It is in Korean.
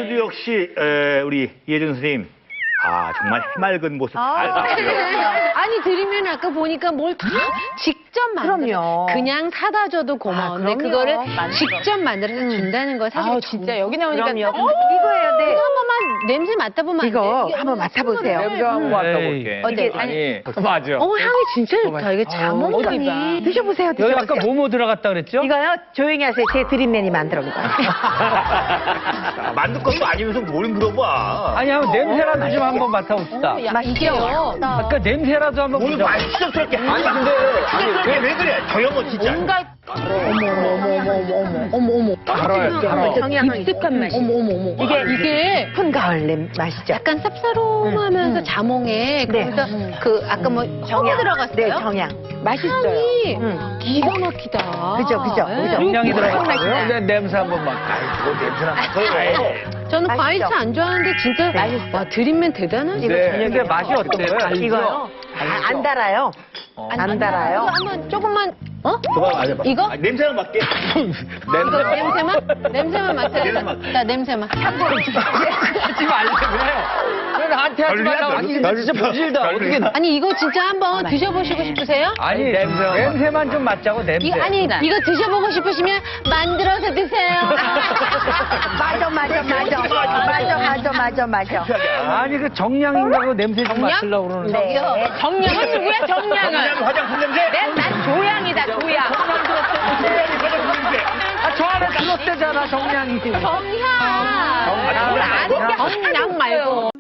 오늘도 역시 우리 이혜준 선생님 정말 해맑은 모습 잘 봤고요. 아니 드리면 아까 보니까 뭘 다 직접 만들어. 그럼요. 그냥 사다 줘도 고마운데 그럼요. 그거를 만들어. 직접 만들어서 준다는 거 사실 진짜 여기 나오니까 그럼요. 이거예요, 네. 이거 한 번만 냄새 맡아보면 안 이거 돼? 한번 맡아보세요. 냄새 한번 맡아볼게. 어때? 아니, 맞아. 어머 향이 진짜 좋다. 이게 자몽이. 드셔보세요, 여기 드셔보세요. 아까 뭐뭐 들어갔다 그랬죠? 이거요, 조용히 하세요. 제 드림맨이 만들어온 거예요. 만들 것도 아니면서 뭘 물어봐. 아니, 한번 냄새라도 좀 한번 맡아봅시다. 이게요. 아까 냄새라도 한번 뭘 보자. 말씀스럽게 아니 근데 추접스럽게 왜 그래? 저 형은 진짜. 뭔가 어머. 정향 익숙한 맛이. 어머. 이게 푼 가을 냄 맛이죠. 약간 쌉싸름하면서 자몽에 그래서 그 아까 뭐 정향 들어갔어요? 네, 정향. 맛있어요. 향이 기가 막히다. 그죠. 정량이 들어갔고요. 맛있다. 네, 냄새 한번 맡아. 그거 냄새나 맡아요. 저는 맛있죠? 과일차 안 좋아하는데 진짜 맛있어. 와 드림맨 대단하시다. 네, 근데 맛이 어때요? 이거요? 안 달아요. 안 달아요. 이거 한번 조금만 그거 맞아. 이거? 냄새나 맡게. 이거 냄새만 맡아요. 냄새 맡아. 자 냄새만. 하지 말라고요. 왜 나한테 하지 말라고. 아니, 근데 진짜 보질다. 어떻게. 아니 이거 진짜 한번 드셔보시고 싶으세요? 아니, 냄새만 좀 맡자고, 냄새. 아니 이거 드셔보고 싶으시면 만들어서 드세요. 맞아. 아니, 그 정량인가고 냄새 좀 맡으려고 그러는데. 네. 정량은 누구야 정량은? 그냥 화장품 냄새. 난 조양이다 조양. 저 안에 들었대잖아, 정량이. 정향. 정양 말고.